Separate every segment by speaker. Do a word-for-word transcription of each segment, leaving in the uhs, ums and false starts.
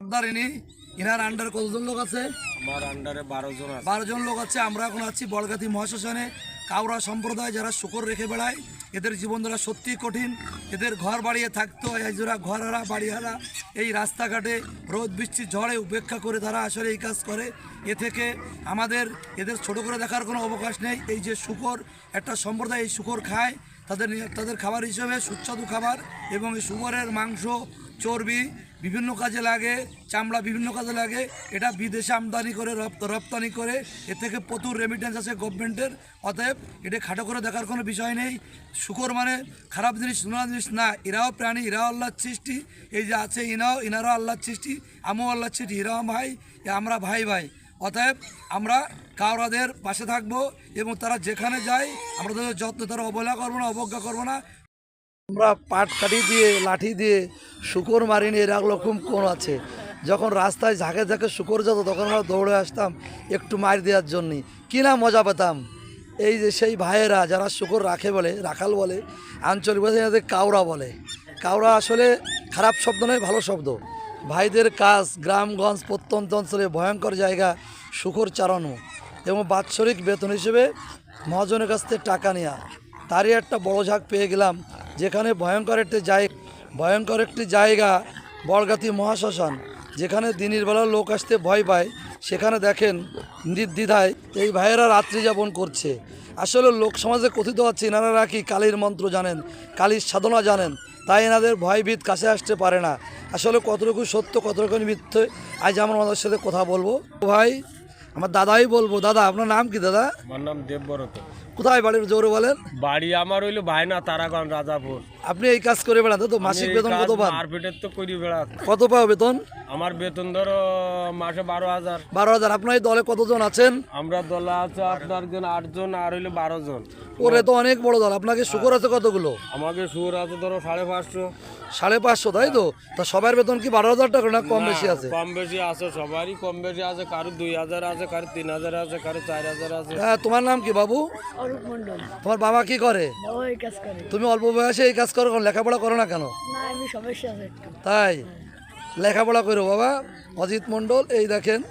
Speaker 1: সর্দার ইনি ইনার আন্ডারে কতজন লোক আছে?
Speaker 2: আমার আন্ডারে বারো জন আছে।
Speaker 1: বারো জন লোক আছে। আমরা এখন আছি বলগাতি মহাশ্মশানে। কাউরা সম্প্রদায় যারা শুকর রেখে বেড়ায়, এদের জীবনধারা সত্যি কঠিন। এদের ঘর বাড়িয়ে থাকতো, এজোরা ঘরহারা বাড়িহারা এই রাস্তাঘাটে রোদ বৃষ্টি ঝড়ে উপেক্ষা করে তারা আসলে এই কাজ করে। এ থেকে আমাদের এদের ছোট করে দেখার কোনো অবকাশ নেই। এই যে শুকর একটা সম্প্রদায়, এই শুকর খায়, তাদের তাদের খাবার হিসেবে সুস্বাদু খাবার, এবং এই শুকরের মাংস চর্বি বিভিন্ন কাজে লাগে, চামড়া বিভিন্ন কাজে লাগে। এটা বিদেশে আমদানি করে রপ্তানি করে, এ থেকে প্রচুর রেমিটেন্স আছে গভর্নমেন্টের। অতএব এটা খাটো করে দেখার কোনো বিষয় নেই। শুকর মানে খারাপ জিনিস, নোনা জিনিস না। এরাও প্রাণী, এরাও আল্লাহর সৃষ্টি। এই যে আছে ইনাও, ইনারাও আল্লাহর সৃষ্টি, আমিও আল্লাহর সৃষ্টি, এরাও ভাই, আমরা ভাই ভাই। অতএব আমরা কাউরাদের পাশে থাকবো, এবং তারা যেখানে যায় আমরা তাদের যত্ন, তারা অবহেলা করবো না, অবজ্ঞা করবো না। আমরা পাট কাটি দিয়ে লাঠি দিয়ে শুকর মারিনি, এরকম কোন আছে? যখন রাস্তায় ঝাঁকে ঝাঁকে শুকর যেত তখন আমরা দৌড়ে আসতাম একটু মার দেওয়ার জন্যে, কি না মজা পেতাম। এই যে সেই ভাইয়েরা যারা শুকর রাখে বলে, রাখাল বলে, আঞ্চলিক ভাষায় এদের কাউরা বলে। কাউরা আসলে খারাপ শব্দ নয়, ভালো শব্দ। ভাইদের কাজ গ্রামগঞ্জ প্রত্যন্ত অঞ্চলে ভয়ঙ্কর জায়গা শুকর চারানো, এবং বাৎসরিক বেতন হিসেবে মহাজনের কাছ থেকে টাকা নেওয়া। তারই একটা বড় ঝাঁক পেয়ে গেলাম, যেখানে ভয়ঙ্কর একটি জায়গা ভয়ঙ্কর একটি জায়গা বলগাতি মহাশ্মশান, যেখানে দিনের বেলা লোক আসতে ভয় পায়। সেখানে দেখেন নির্দ্বিধায় এই ভাইয়েরা রাত্রি যাপন করছে। আসলে লোক সমাজে কথিত আছে এনারা নাকি কালীর মন্ত্র জানেন, কালীর সাধনা জানেন, তাই এনাদের ভয়ভীত কাছে আসতে পারে না। আসলে কতটুকু সত্য কতটুকু মিথ্যে আজ আমরা আমাদের সাথে কথা বলবো। ভাই আমার দাদাই বলবো। দাদা আপনার নাম কি দাদা?
Speaker 2: আমার নাম দেবব্রত।
Speaker 1: কোথায় বাড়ির জোরে বলেন?
Speaker 2: বাড়ি আমার হইলো ভাইনা তারাগঞ্জ রাজাপুর।
Speaker 1: আপনি এই কাজ করে বেড়ান তো? মাসিক বেতন কত পান?
Speaker 2: মারপিটের তো করি বেড়া।
Speaker 1: কত পাও বেতন?
Speaker 2: আমার বেতন ধরো মাসে বারো হাজার।
Speaker 1: বারো হাজার। আপনার এই দলে কতজন আছেন?
Speaker 2: আমরা দলে আছে আপনার জন আটজন, আর হইলো বারো জন।
Speaker 1: ওরে তো অনেক বড় দল। আপনাকে শুকর আছে কতগুলো?
Speaker 2: আমাকে সুর আছে ধরো সাড়ে পাঁচশো।
Speaker 1: সাড়ে পাঁচশো, তাই তো? তা সবার বেতন কি বারো হাজার টাকা না কম বেশি আছে?
Speaker 2: কম বেশি আছে, সবারই কম বেশি আছে। কারো দুই হাজার আছে, কারো তিন হাজার আছে, কারো চার হাজার আছে।
Speaker 1: হ্যাঁ, তোমার নাম কি বাবু?
Speaker 3: অরূপ মণ্ডল।
Speaker 1: তোমার বাবা কি করে?
Speaker 3: বাবা এই কাজ করে।
Speaker 1: তুমি অল্প বয়সে এই কাজ করো, লেখাপড়া করো না কেন?
Speaker 3: না, আমি সমস্যা আছে একটু।
Speaker 1: তাই লেখাপড়া করো বাবা। অজিত মণ্ডল, এই দেখেন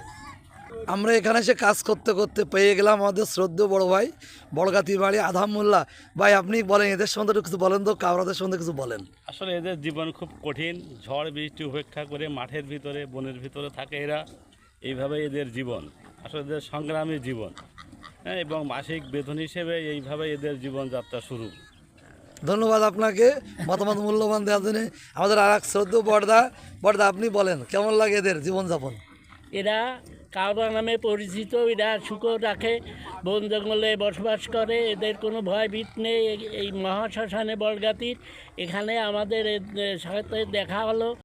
Speaker 1: আমরা এখানে এসে কাজ করতে করতে পেয়ে গেলাম আমাদের শ্রদ্ধেয় বড় ভাই বলগাতি বাড়ি আধাম মোল্লা। ভাই আপনি বলেন এদের সম্বন্ধে কিছু বলেন তো, কাউরাদের সম্বন্ধে কিছু বলেন।
Speaker 4: আসলে এদের জীবন খুব কঠিন। ঝড় বৃষ্টি উপেক্ষা করে মাঠের ভিতরে বনের ভিতরে থাকে এরা। এইভাবে এদের জীবন, আসলে এদের সংগ্রামী জীবন। হ্যাঁ, এবং মাসিক বেতন হিসেবে এইভাবে এদের জীবনযাত্রা শুরু।
Speaker 1: ধন্যবাদ আপনাকে মতামত মূল্যবান দেওয়ার জন্য। আমাদের আর এক শ্রদ্ধেয় বড়দা। বড়দা আপনি বলেন কেমন লাগে এদের জীবনযাপন?
Speaker 5: এরা কাউরা নামে পরিচিত। এরা শুকর রাখে, বন জঙ্গলে বসবাস করে, এদের কোনো ভয় ভীত নেই। এই মহাশ্মশানে বলগাতির এখানে আমাদের সাথে দেখা হলো।